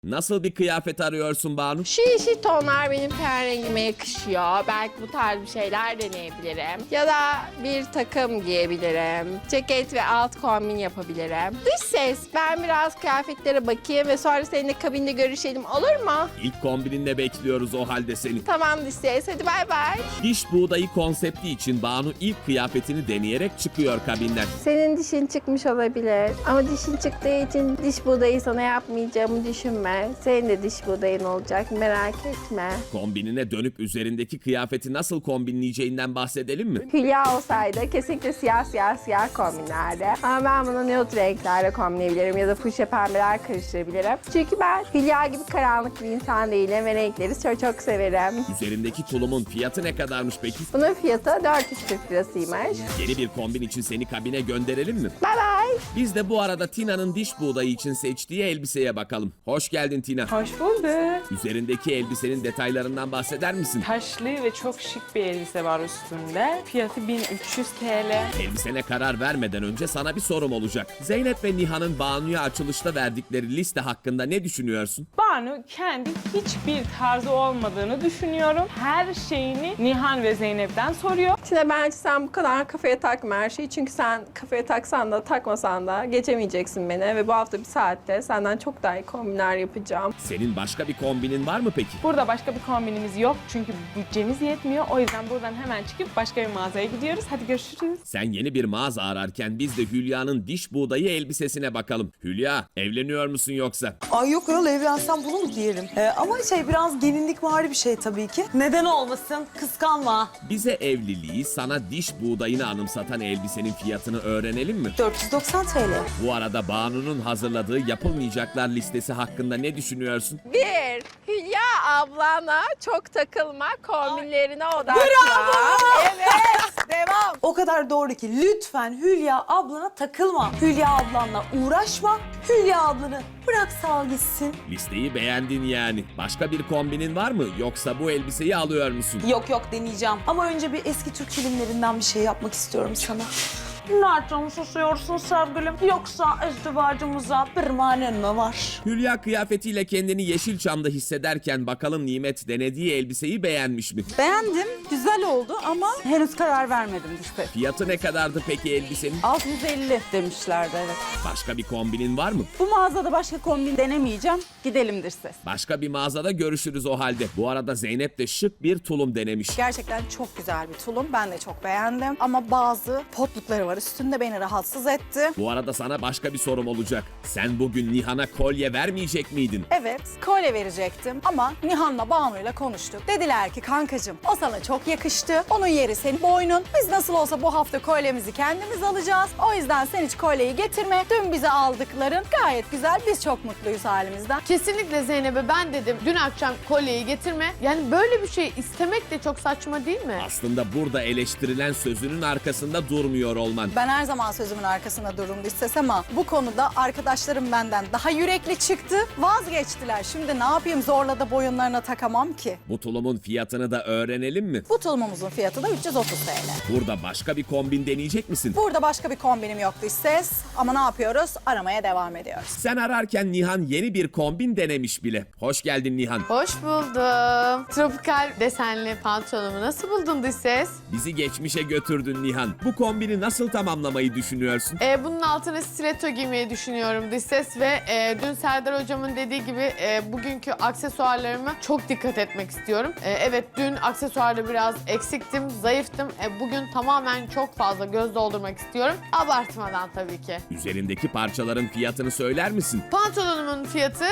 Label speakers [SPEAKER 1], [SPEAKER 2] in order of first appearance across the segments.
[SPEAKER 1] Nasıl bir kıyafet arıyorsun Banu?
[SPEAKER 2] Şu yeşil tonlar benim ten rengime yakışıyor. Belki bu tarz bir şeyler deneyebilirim. Ya da bir takım giyebilirim. Ceket ve alt kombin yapabilirim. Dış ses, ben biraz kıyafetlere bakayım ve sonra seninle kabinde görüşelim, olur mu?
[SPEAKER 1] İlk kombininde bekliyoruz o halde seni.
[SPEAKER 2] Tamam dış ses, hadi bay bay.
[SPEAKER 1] Diş buğdayı konsepti için Banu ilk kıyafetini deneyerek çıkıyor kabinden.
[SPEAKER 2] Senin dişin çıkmış olabilir ama dişin çıktığı için diş buğdayı sana yapmayacağımı düşünme. Senin de diş buğdayın olacak, merak etme.
[SPEAKER 1] Kombinine dönüp üzerindeki kıyafeti nasıl kombinleyeceğinden bahsedelim mi?
[SPEAKER 2] Hülya olsaydı kesinlikle siyah kombinlerdi. Ama ben bunu nude renklerle kombinleyebilirim ya da fuşya pembeler karıştırabilirim. Çünkü ben Hülya gibi karanlık bir insan değilim ve renkleri çok severim.
[SPEAKER 1] Üzerindeki tulumun fiyatı ne kadarmış peki?
[SPEAKER 2] Bunun fiyatı 440 lirasıymış.
[SPEAKER 1] Yeni bir kombin için seni kabine gönderelim mi?
[SPEAKER 2] Bye bye.
[SPEAKER 1] Biz de bu arada Tina'nın diş buğdayı için seçtiği elbiseye bakalım. Hoş geldin Tina.
[SPEAKER 3] Hoş bulduk.
[SPEAKER 1] Üzerindeki elbisenin detaylarından bahseder misin?
[SPEAKER 3] Taşlı ve çok şık bir elbise var üstünde. Fiyatı 1300 TL.
[SPEAKER 1] Elbisene karar vermeden önce sana bir sorum olacak. Zeynep ve Nihan'ın Banu'ya açılışta verdikleri liste hakkında ne düşünüyorsun?
[SPEAKER 3] Banu kendi hiçbir tarzı olmadığını düşünüyorum. Her şeyini Nihan ve Zeynep'ten soruyor.
[SPEAKER 2] Şimdi bence sen bu kadar kafaya takma her şeyi. Çünkü sen kafaya taksan da takmasan da geçemeyeceksin beni. Ve bu hafta bir saatte senden çok daha iyi kombinler yapacağım.
[SPEAKER 1] Senin başka bir kombinin var mı peki?
[SPEAKER 3] Burada başka bir kombinimiz yok çünkü bütçemiz yetmiyor. O yüzden buradan hemen çıkıp başka bir mağazaya gidiyoruz. Hadi görüşürüz.
[SPEAKER 1] Sen yeni bir mağaza ararken biz de Hülya'nın diş buğdayı elbisesine bakalım. Hülya, evleniyor musun yoksa?
[SPEAKER 4] Ay yok ayol, evlensem bunu mu giyerim? Ama biraz gelinlikvari bir şey tabii ki. Neden olmasın? Kıskanma.
[SPEAKER 1] Bize evliliği sana diş buğdayını anımsatan elbisenin fiyatını öğrenelim mi?
[SPEAKER 4] 490 TL.
[SPEAKER 1] Bu arada Banu'nun hazırladığı yapılmayacaklar listesi hakkında ne düşünüyorsun?
[SPEAKER 2] 1. Hülya ablana çok takılma, kombinlerine odaklan.
[SPEAKER 4] Bravo!
[SPEAKER 2] Evet.
[SPEAKER 4] Devam. O kadar doğru ki lütfen Hülya ablana takılma. Hülya ablanla uğraşma. Hülya ablanı bırak sal gitsin.
[SPEAKER 1] Listeyi beğendin yani. Başka bir kombinin var mı yoksa bu elbiseyi alıyor musun?
[SPEAKER 4] Yok deneyeceğim. Ama önce bir eski Türk filmlerinden bir şey yapmak istiyorum sana. Nereden susuyorsun sevgilim? Yoksa izdivacımıza bir manen mi var?
[SPEAKER 1] Hülya kıyafetiyle kendini Yeşilçam'da hissederken bakalım Nimet denediği elbiseyi beğenmiş mi?
[SPEAKER 5] Beğendim, güzel oldu ama henüz karar vermedim işte.
[SPEAKER 1] Fiyatı ne kadardı peki elbisenin?
[SPEAKER 5] 650 demişlerdi, evet.
[SPEAKER 1] Başka bir kombinin var mı?
[SPEAKER 5] Bu mağazada başka kombin denemeyeceğim. Gidelim dış ses.
[SPEAKER 1] Başka bir mağazada görüşürüz o halde. Bu arada Zeynep de şık bir tulum denemiş.
[SPEAKER 6] Gerçekten çok güzel bir tulum. Ben de çok beğendim. Ama bazı potlukları var üstünde, beni rahatsız etti.
[SPEAKER 1] Bu arada sana başka bir sorum olacak. Sen bugün Nihan'a kolye vermeyecek miydin?
[SPEAKER 6] Evet, kolye verecektim ama Nihan'la Banu'yla konuştuk. Dediler ki kankacığım o sana çok yakıştı. Onun yeri senin boynun. Biz nasıl olsa bu hafta kolyemizi kendimiz alacağız. O yüzden sen hiç kolyeyi getirme. Dün bize aldıkların gayet güzel. Biz çok mutluyuz halimizden.
[SPEAKER 7] Kesinlikle Zeynep'e ben dedim dün akşam kolyeyi getirme. Yani böyle bir şey istemek de çok saçma değil mi?
[SPEAKER 1] Aslında burada eleştirilen sözünün arkasında durmuyor olman.
[SPEAKER 6] Ben her zaman sözümün arkasında dururum dış ses ama bu konuda arkadaşlarım benden daha yürekli çıktı. Vazgeçtiler. Şimdi ne yapayım, zorla da boyunlarına takamam ki.
[SPEAKER 1] Bu tulumun fiyatını da öğrenelim mi?
[SPEAKER 6] Bu tulumumuzun fiyatı da 330 TL.
[SPEAKER 1] Burada başka bir kombin deneyecek misin?
[SPEAKER 6] Burada başka bir kombinim yok dış ses ama ne yapıyoruz? Aramaya devam ediyoruz.
[SPEAKER 1] Sen ararken Nihan yeni bir kombin denemiş bile. Hoş geldin Nihan.
[SPEAKER 7] Hoş buldum. Tropikal desenli pantolonumu nasıl buldun dış ses?
[SPEAKER 1] Bizi geçmişe götürdün Nihan. Bu kombini nasıl tamamlamayı düşünüyorsun?
[SPEAKER 7] Bunun altına stiletto giymeyi düşünüyorum dış ses ve dün Serdar hocamın dediği gibi bugünkü aksesuarlarıma çok dikkat etmek istiyorum. Evet dün aksesuarda biraz eksiktim, zayıftım. Bugün tamamen çok fazla göz doldurmak istiyorum. Abartmadan tabii ki.
[SPEAKER 1] Üzerindeki parçaların fiyatını söyler misin?
[SPEAKER 7] Pantolonumun fiyatı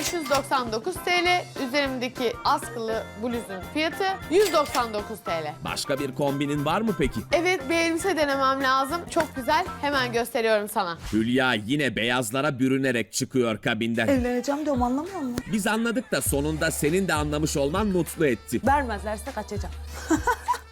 [SPEAKER 7] 599 TL. Üzerimdeki askılı bluzun fiyatı 199 TL.
[SPEAKER 1] Başka bir kombinin var mı peki?
[SPEAKER 7] Evet bir elbise denemem lazım. Çok güzel. Hemen gösteriyorum sana.
[SPEAKER 1] Hülya yine beyazlara bürünerek çıkıyor kabinden.
[SPEAKER 4] Evleneceğim diyorum, anlamıyor musun?
[SPEAKER 1] Biz anladık da sonunda senin de anlamış olman mutlu etti.
[SPEAKER 4] Vermezlerse kaçacağım.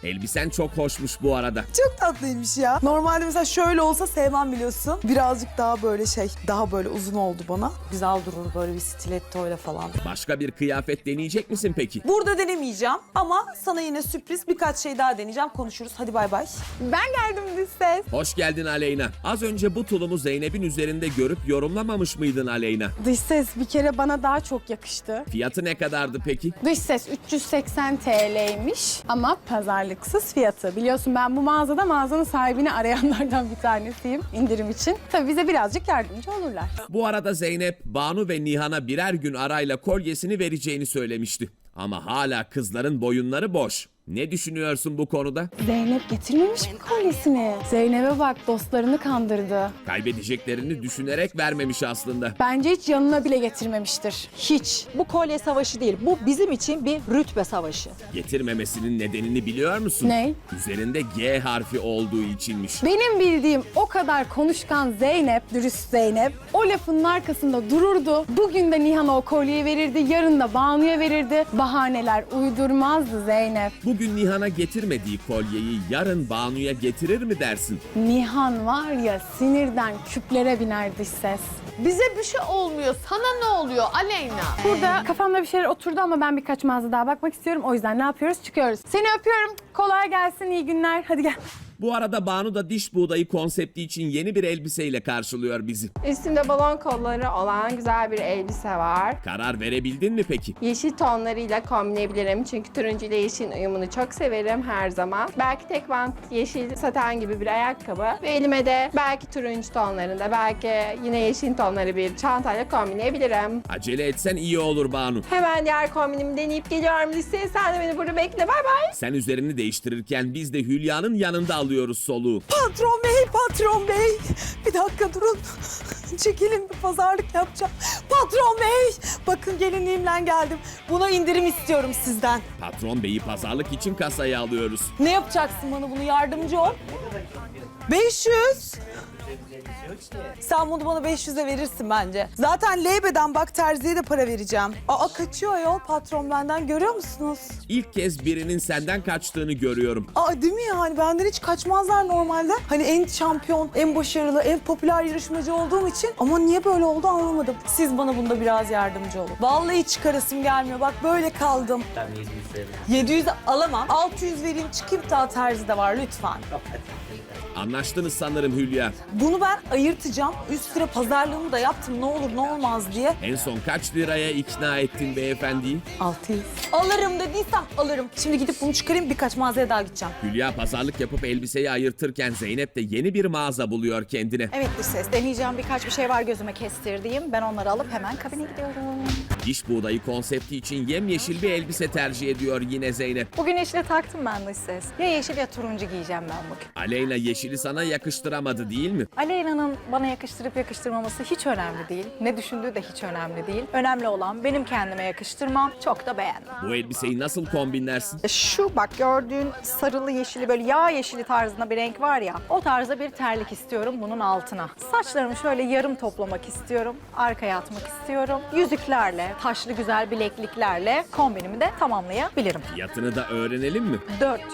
[SPEAKER 1] Elbisen çok hoşmuş bu arada.
[SPEAKER 4] Çok tatlıymış ya. Normalde mesela şöyle olsa sevmem biliyorsun. Birazcık daha böyle daha böyle uzun oldu bana. Güzel durur böyle bir stilettoyla falan.
[SPEAKER 1] Başka bir kıyafet deneyecek misin peki?
[SPEAKER 4] Burada denemeyeceğim ama sana yine sürpriz birkaç şey daha deneyeceğim. Konuşuruz. Hadi bay bay.
[SPEAKER 2] Ben geldim dış ses.
[SPEAKER 1] Hoş geldin Aleyna. Az önce bu tulumu Zeynep'in üzerinde görüp yorumlamamış mıydın Aleyna?
[SPEAKER 5] Dış ses bir kere bana daha çok yakıştı.
[SPEAKER 1] Fiyatı ne kadardı peki?
[SPEAKER 5] Dış ses 380 TL'ymiş ama pazarlıksız fiyatı. Biliyorsun ben bu mağazanın sahibini arayanlardan bir tanesiyim indirim için. Tabii bize birazcık yardımcı olurlar.
[SPEAKER 1] Bu arada Zeynep, Banu ve Nihan'a birer gün arayla kolyesini vereceğini söylemişti. Ama hala kızların boyunları boş. Ne düşünüyorsun bu konuda?
[SPEAKER 5] Zeynep getirmemiş mi kolyesini? Zeynep'e bak dostlarını kandırdı.
[SPEAKER 1] Kaybedeceklerini düşünerek vermemiş aslında.
[SPEAKER 5] Bence hiç yanına bile getirmemiştir. Hiç.
[SPEAKER 6] Bu kolye savaşı değil. Bu bizim için bir rütbe savaşı.
[SPEAKER 1] Getirmemesinin nedenini biliyor musun?
[SPEAKER 5] Ne?
[SPEAKER 1] Üzerinde G harfi olduğu içinmiş.
[SPEAKER 5] Benim bildiğim o kadar konuşkan Zeynep, dürüst Zeynep o lafının arkasında dururdu. Bugün de Nihan'a o kolyeyi verirdi, yarın da Banu'ya verirdi. Bahaneler uydurmazdı Zeynep.
[SPEAKER 1] Bugün Nihan'a getirmediği kolyeyi yarın Banu'ya getirir mi dersin?
[SPEAKER 5] Nihan var ya sinirden küplere biner dış ses.
[SPEAKER 7] Bize bir şey olmuyor. Sana ne oluyor Aleyna?
[SPEAKER 5] Burada kafamda bir şeyler oturdu ama ben birkaç mağaza daha bakmak istiyorum. O yüzden ne yapıyoruz? Çıkıyoruz. Seni öpüyorum. Kolay gelsin, iyi günler. Hadi gel.
[SPEAKER 1] Bu arada Banu da diş buğdayı konsepti için yeni bir elbiseyle karşılıyor bizi.
[SPEAKER 2] Üstümde balon kolları olan güzel bir elbise var.
[SPEAKER 1] Karar verebildin mi peki?
[SPEAKER 2] Yeşil tonlarıyla kombinleyebilirim çünkü turuncu ile yeşilin uyumunu çok severim her zaman. Belki tek bant yeşil saten gibi bir ayakkabı ve elime de belki turuncu tonlarında, belki yine yeşil tonları bir çantayla kombinleyebilirim.
[SPEAKER 1] Acele etsen iyi olur Banu.
[SPEAKER 2] Hemen diğer kombinimi deneyip geliyorum listeye. Sen de beni burada bekle. Bay bay.
[SPEAKER 1] Sen üzerini değiştirirken biz de Hülya'nın yanında alıyoruz soluğu.
[SPEAKER 4] Patron bey, patron bey. Bir dakika durun. Çekilin, bir pazarlık yapacağım. Patron bey, bakın gelinliğimle geldim. Buna indirim istiyorum sizden.
[SPEAKER 1] Patron beyi pazarlık için kasaya alıyoruz.
[SPEAKER 4] Ne yapacaksın bana, bunu yardımcı ol? 500. Sen bunu bana 500'e verirsin bence. Zaten Leybe'den bak terziye de para vereceğim. Aa kaçıyor ayol patron benden, görüyor musunuz?
[SPEAKER 1] İlk kez birinin senden kaçtığını görüyorum.
[SPEAKER 4] Aa değil mi yani, benden hiç kaçmazlar normalde. Hani en şampiyon, en başarılı, en popüler yarışmacı olduğum için. Ama niye böyle oldu anlamadım. Siz bana bunda biraz yardımcı olun. Vallahi çıkarasım gelmiyor, bak böyle kaldım. 700 alamam. 600 vereyim çıkayım, daha terzi de var lütfen.
[SPEAKER 1] Anlaştınız sanırım Hülya.
[SPEAKER 4] Bunu ben ayırtacağım. Üst sıra pazarlığımı da yaptım, ne olur ne olmaz diye.
[SPEAKER 1] En son kaç liraya ikna ettin beyefendiyi?
[SPEAKER 4] 600. Alırım dediysem alırım. Şimdi gidip bunu çıkarayım, birkaç mağazaya daha gideceğim.
[SPEAKER 1] Hülya pazarlık yapıp elbiseyi ayırtırken Zeynep de yeni bir mağaza buluyor kendine.
[SPEAKER 6] Evet dış ses. Deneyeceğim birkaç bir şey var gözüme kestirdiğim. Ben onları alıp hemen kabine gidiyorum.
[SPEAKER 1] Diş buğdayı konsepti için yemyeşil bir elbise tercih ediyor yine Zeynep.
[SPEAKER 6] Bugün yeşile taktım ben dış ses. Ya yeşil ya turuncu giyeceğim ben bugün.
[SPEAKER 1] Aleyna yeşili sana yakıştıramadı değil mi?
[SPEAKER 6] Aleyna'nın bana yakıştırıp yakıştırmaması hiç önemli değil. Ne düşündüğü de hiç önemli değil. Önemli olan benim kendime yakıştırmam. Çok da beğendim.
[SPEAKER 1] Bu elbiseyi nasıl kombinlersin?
[SPEAKER 6] Şu bak gördüğün sarılı yeşili, böyle yağ yeşili tarzında bir renk var ya. O tarzda bir terlik istiyorum bunun altına. Saçlarımı şöyle yarım toplamak istiyorum. Arkaya atmak istiyorum. Yüzüklerle, taşlı güzel bilekliklerle kombinimi de tamamlayabilirim.
[SPEAKER 1] Fiyatını da öğrenelim mi?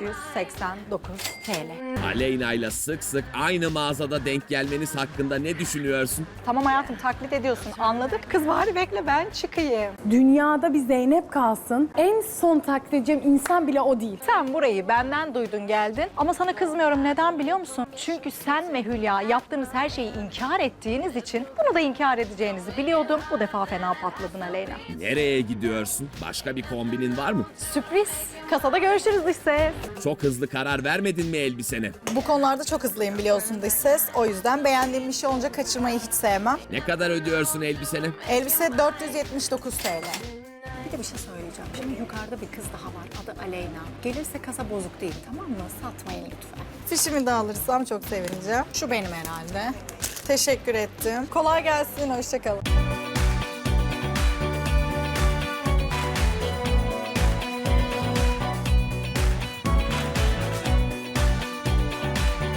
[SPEAKER 6] 489 TL.
[SPEAKER 1] Aleyna ile sık sık aynı mağazada denk gelmeniz hakkında ne düşünüyorsun?
[SPEAKER 6] Tamam hayatım, taklit ediyorsun, anladık. Kız bari bekle ben çıkayım.
[SPEAKER 5] Dünyada bir Zeynep kalsın. En son taklit edeceğim insan bile o değil.
[SPEAKER 6] Sen burayı benden duydun geldin ama sana kızmıyorum. Neden biliyor musun? Çünkü sen ve Hülya yaptığınız her şeyi inkar ettiğiniz için bunu da inkar edeceğinizi biliyordum. Bu defa fena patladın Aleyna.
[SPEAKER 1] Nereye gidiyorsun? Başka bir kombinin var mı?
[SPEAKER 6] Sürpriz. Kasada görüşürüz dış ses.
[SPEAKER 1] Çok hızlı karar vermedin mi elbisene?
[SPEAKER 6] Bu konularda çok hızlıyım biliyorsun dış ses. O yüzden beğendiğim bir şey olunca kaçırmayı hiç sevmem.
[SPEAKER 1] Ne kadar ödüyorsun elbisene?
[SPEAKER 6] Elbise 479 TL. Bir de bir şey söyleyeceğim. Şimdi yukarıda bir kız daha var. Adı Aleyna. Gelirse kasa bozuk değil, tamam mı? Satmayın lütfen. Fişimi de alırsam çok sevineceğim. Şu benim herhalde. Teşekkür ettim. Kolay gelsin. Hoşça kalın.